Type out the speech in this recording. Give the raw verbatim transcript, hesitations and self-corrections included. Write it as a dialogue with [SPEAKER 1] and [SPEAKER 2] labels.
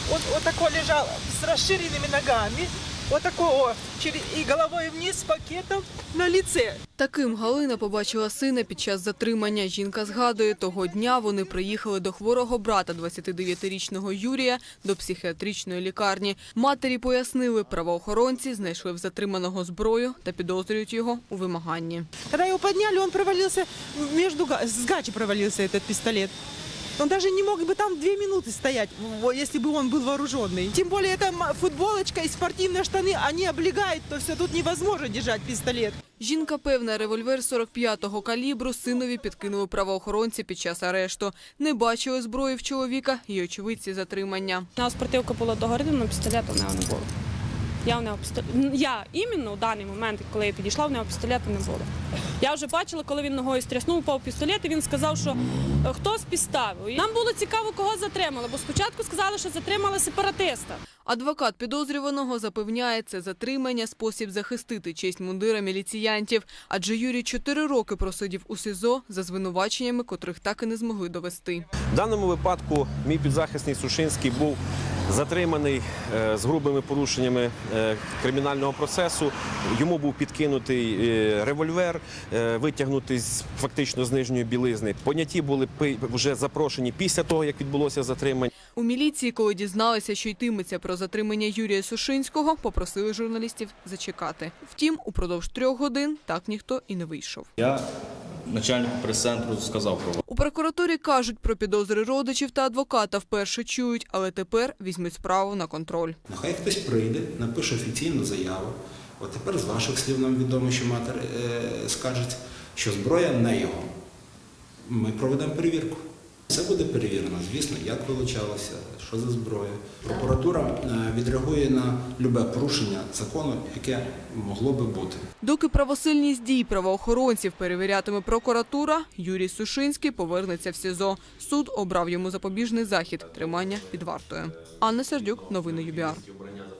[SPEAKER 1] Он вот такой лежал с расширенными ногами, вот такого, и головой вниз с пакетом на лице.
[SPEAKER 2] Таким Галина побачила сина під час затримання. Жінка згадує, того дня вони приїхали до хворого брата двадцятидев'ятирічного Юрія до психіатричної лікарні. Матері пояснили, правоохоронці знайшли в затриманого зброю та підозрюють його у вимаганні.
[SPEAKER 1] Коли його підняли, він провалився, між, з гачі провалився цей пістолет. Он даже не мог бы там две минуты стоять, если бы он был вооруженный. Тем более, это футболочка и спортивные штаны, они облегают, то все, тут невозможно держать пистолет.
[SPEAKER 2] Жінка певна, револьвер сорок п'ятого калібру синові підкинули правоохоронці під час арешту. Не бачили зброї в чоловіка і очевидці затримання.
[SPEAKER 3] На спортивка була догоріла, але пістолету в нього не було. Я, в нього пістолет... я іменно в даний момент, коли я підійшла, в нього пістолету не було. Я вже бачила, коли він ногою стряснув, упав пістолет, і він сказав, що хтось підставив. Нам було цікаво, кого затримали, бо спочатку сказали, що затримали сепаратиста.
[SPEAKER 2] Адвокат підозрюваного запевняє, це затримання – спосіб захистити честь мундира міліціянтів. Адже Юрій чотири роки просидів у СІЗО за звинуваченнями, котрих так і не змогли довести.
[SPEAKER 4] В даному випадку мій підзахисний Сушинський був затриманий з грубими порушеннями кримінального процесу. Йому був підкинутий револьвер, витягнутий фактично з нижньої білизни. Поняті були вже запрошені після того, як відбулося затримання.
[SPEAKER 2] У міліції, коли дізналися, що йтиметься про затримання Юрія Сушинського, попросили журналістів зачекати. Втім, упродовж трьох годин так ніхто і не вийшов.
[SPEAKER 5] Я начальнику прес-центру сказав про вас.
[SPEAKER 2] У прокуратурі кажуть, про підозри родичів та адвоката вперше чують, але тепер візьмуть справу на контроль.
[SPEAKER 6] Нехай хтось прийде, напише офіційну заяву. От тепер з ваших слів нам відомо, що матір е, скаже, що зброя не його. Ми проведемо перевірку. Все буде перевірено, звісно, як вилучалося, що за зброя. Прокуратура відреагує на любе порушення закону, яке могло би бути.
[SPEAKER 2] Доки правосильність дій правоохоронців перевірятиме прокуратура, Юрій Сушинський повернеться в СІЗО. Суд обрав йому запобіжний захід – тримання під вартою. Анна Сердюк, новини ЮБІАР.